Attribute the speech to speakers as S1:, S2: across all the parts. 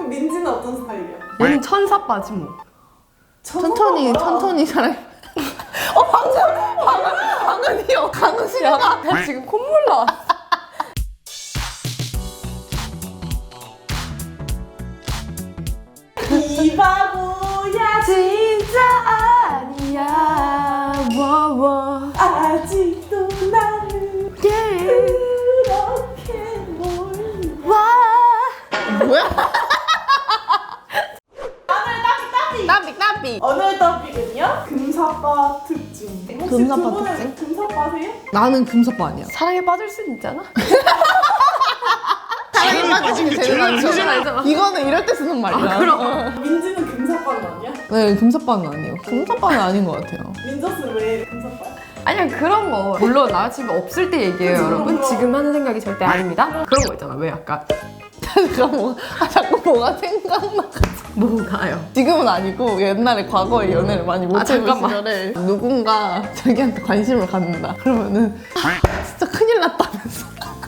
S1: 민지는 어떤 스타일이야?
S2: 얘는 천사빠지 뭐.
S3: 천천히 사랑. 방금이요. 강수야.
S2: 나 지금 콧물 나.
S1: 이 바보야
S2: 진짜 아니야. 워워.
S1: 아직도 나를 그렇게 몰라.
S2: 와.
S3: 뭐야? 따비.
S1: 오늘 토픽은요? 금사빠 특징. 혹시
S3: 금사빠
S1: 두 분은
S3: 특징?
S1: 금사빠세요?
S3: 나는 금사빠 아니야.
S2: 사랑에 빠질 수 있잖아.
S3: 사랑에 빠지는 게 제일 많죠.
S2: 알잖아.
S3: 이거는 이럴 때 쓰는 말이야.
S2: 그럼.
S1: 민지는 금사빠는 아니야?
S3: 네, 금사빠는 아니에요. 금사빠는 아닌 것 같아요.
S1: 민저스는 왜 금사빠야?
S2: 아니야 그런 거. 물론 남자친구 없을 때 얘기해요
S1: 그치,
S2: 여러분.
S1: 그럼.
S2: 지금 하는 생각이 절대 아닙니다. 그런 거 있잖아. 왜 약간
S3: 자꾸 뭐가 생각나.
S2: 뭐가요?
S3: 지금은 아니고 옛날에 과거에 연애를 많이 못해본
S2: 잠깐만.
S3: 시절에 누군가 자기한테 관심을 갖는다. 그러면은 진짜 큰일 났다면서.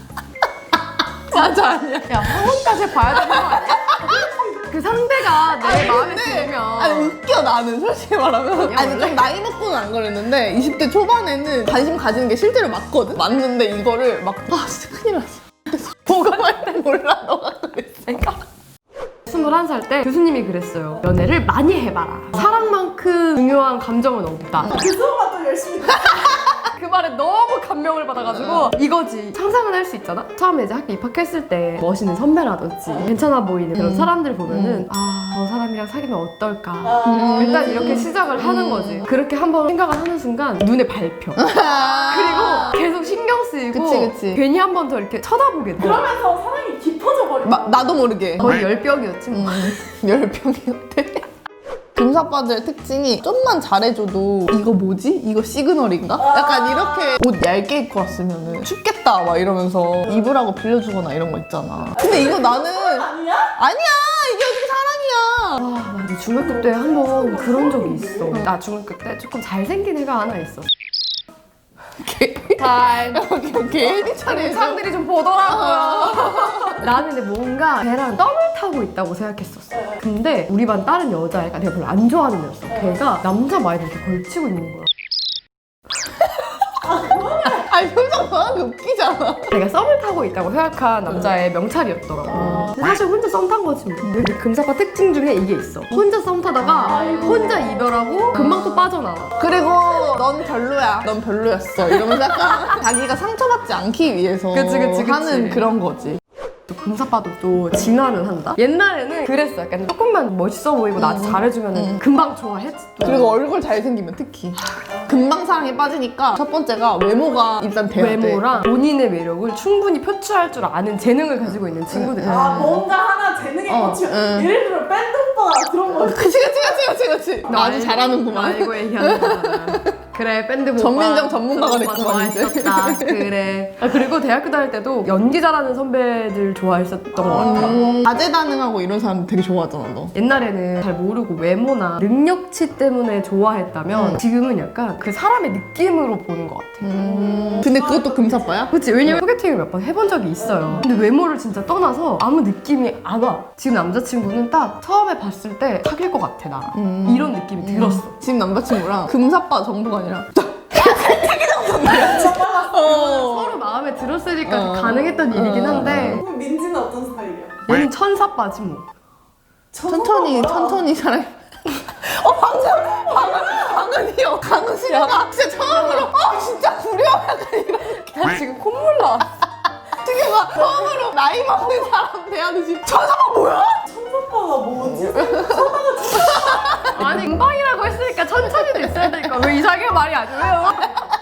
S3: 맞아 아니야.
S2: 야 학원까지 봐야 되는 거 아니야? 그 상대가 내 마음에
S3: 근데
S2: 들면
S3: 아니 웃겨 나는 솔직히 말하면. 아니
S2: 원래?
S3: 좀 나이 먹고는 안 그랬는데 20대 초반에는 관심 가지는 게 실제로 맞거든? 맞는데 이거를 막 아 진짜 큰일 났어. 보고할 때 몰라 너가 그랬으니까.
S2: 21살 때 교수님이 그랬어요. 연애를 많이 해봐라. 사랑만큼 중요한 감정은 없다.
S1: 그 수업만 또 열심히
S2: 그 말에 너무 감명을 받아가지고 이거지. 상상은 할 수 있잖아? 처음에 이제 학교 입학했을 때 멋있는 선배라든지 괜찮아 보이는 그런 사람들 보면은 아, 저 사람이랑 사귀면 어떨까? 일단 이렇게 시작을 하는 거지. 그렇게 한번 생각을 하는 순간 눈에 밟혀. 그리고 계속 신경 쓰이고
S3: 그치.
S2: 괜히 한 번 더 이렇게 쳐다보게 돼.
S1: 그러면서 사랑이 깊어져 버려.
S3: 나도 모르게
S2: 거의 열병이었지 뭐.
S3: 열병이었대. 금사빠들 특징이 좀만 잘해줘도 이거 뭐지? 이거 시그널인가? 약간 이렇게 옷 얇게 입고 왔으면은 춥겠다 막 이러면서 입으라고 빌려주거나 이런 거 있잖아. 근데 이거 나는
S1: 아니야?
S3: 아니야 이게 어떻게 사랑이야.
S2: 아, 나도 중학교 때 한 번 그런 적이 있어. 나 중학교 때 조금 잘생긴 애가 하나 있어. 잘.
S3: 괜히 차례
S2: 사람들이 좀 보더라고요. 나는 근데 뭔가 걔랑 썸을 타고 있다고 생각했었어. 근데 우리 반 다른 여자애가 내가 별로 안 좋아하는 애였어. 걔가 남자 마이를 이렇게 걸치고 있는 거야.
S3: 아니 표정 봐 웃기잖아.
S2: 내가 썸을 타고 있다고 생각한 남자의 명찰이었더라고. 근데 사실 혼자 썸 탄 거지 뭐. 근데 금사빠 특징 중에 이게 있어. 혼자 썸 타다가 혼자 이별하고 금방 또 빠져나와.
S3: 그리고 넌 별로야. 넌 별로였어. 이러면서 약간 자기가 상처받지 않기 위해서
S2: 그치.
S3: 하는 그런 거지.
S2: 또 금사빠도 또 진화는 한다. 옛날에는 그랬어. 약간 조금만 멋있어 보이고 나한테 잘해주면 금방 좋아했지. 또.
S3: 그리고 얼굴 잘생기면 특히 금방 사랑에 빠지니까 첫 번째가 외모가 일단 돼야 돼.
S2: 외모랑 본인의 매력을 충분히 표출할 줄 아는 재능을 가지고 있는 친구들.
S1: 아 뭔가 하나 재능에 꽂히면 예를 들어 밴드 오빠가 그런 거
S3: 그치. 나 아주 잘하는구만.
S2: 알고 얘기하는 그래 밴드 보고
S3: 전민정 전문가가 됐구만, 이제.
S2: 좋아했었다. 그래. 아, 그리고 대학교 다닐 때도 연기 잘하는 선배들 좋아했었던 것 같아.
S3: 다재다능하고 이런 사람 되게 좋아하잖아 너.
S2: 옛날에는 잘 모르고 외모나 능력치 때문에 좋아했다면 지금은 약간 그 사람의 느낌으로 보는 것 같아.
S3: 근데 그것도 금사빠야?
S2: 그치, 왜냐면 소개팅을 몇 번 해본 적이 있어요. 근데 외모를 진짜 떠나서 아무 느낌이 안 와. 지금 남자친구는 딱 처음에 봤을 때 사귈 것 같아 나. 이런 느낌이 들었어.
S3: 지금 남자친구랑 금사빠 정도가 아니라
S2: 서로 마음에 들었으니까 가능했던 일이긴 한데
S1: 그럼 민지는 어떤 스타일이야?
S2: 얘는 천사빠지 뭐.
S3: 천천히 사랑. 방금이요. 강수야. 진짜 처음으로 진짜 구려 약간 이렇게.
S2: 나 지금 콧물 나.
S3: 되게 막 처음으로 나이 먹는 사람 대하듯이 천사가 뭐야?
S1: 천사빠가 뭐지?
S2: 아니 금방이라고 했으니까 천천히도 있어야 되니까 왜 이상하게 말이 안 돼요?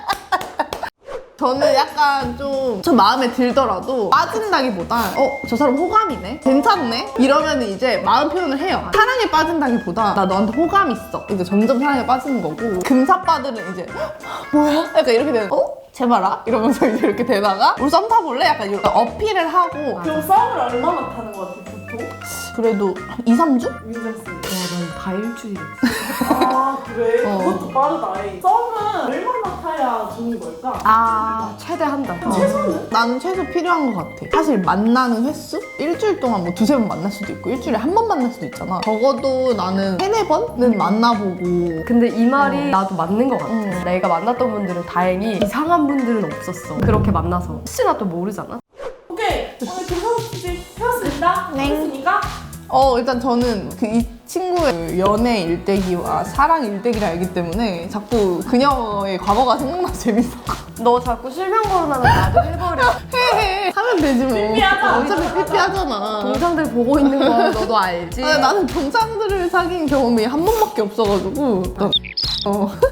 S3: 저는 약간 좀 저 마음에 들더라도 빠진다기보다 저 사람 호감이네? 괜찮네? 이러면 이제 마음 표현을 해요. 사랑에 빠진다기보다 나 너한테 호감 있어. 이제 점점 사랑에 빠지는 거고 금사빠들은 이제 뭐야? 약간 이렇게 되는 제발아? 이러면서 이제 이렇게 되다가 우리 썸 타볼래? 약간 이렇게 어필을 하고
S1: 그럼 싸움을 얼마나 타는 거 같아 보통?
S3: 그래도 2, 3주?
S1: 민정씨.
S2: 난 다 일주일이었어.
S1: 아 그래?
S2: 어.
S1: 그것도 빠르다. 썸은 얼마나 타야 좋은 걸까?
S2: 아 최대 한 달.
S1: 최소는?
S3: 나는 최소 필요한 것 같아. 사실 만나는 횟수? 일주일 동안 뭐 두세 번 만날 수도 있고 일주일에 한 번 만날 수도 있잖아. 적어도 나는 세네 번은 만나보고.
S2: 근데 이 말이 나도 맞는 것 같아. 내가 만났던 분들은 다행히 이상한 분들은 없었어. 그렇게 만나서 혹시나 또 모르잖아.
S1: 오케이 오늘 교수 주제 펴왔습니다.
S3: 네.
S1: 했으니까
S3: 일단 저는 이 친구의 그 연애 일대기와 사랑 일대기를 알기 때문에 자꾸 그녀의 과거가 생각나서 재밌어.
S2: 너 자꾸 실명 거론하면 나도 해버려.
S3: 해. 하면 되지 뭐.
S1: 삐삐하자.
S3: 어차피 삐삐하잖아.
S2: 동상들 보고 있는 거 너도 알지?
S3: 나는 동창들을 사귄 경험이 한 번밖에 없어가지고.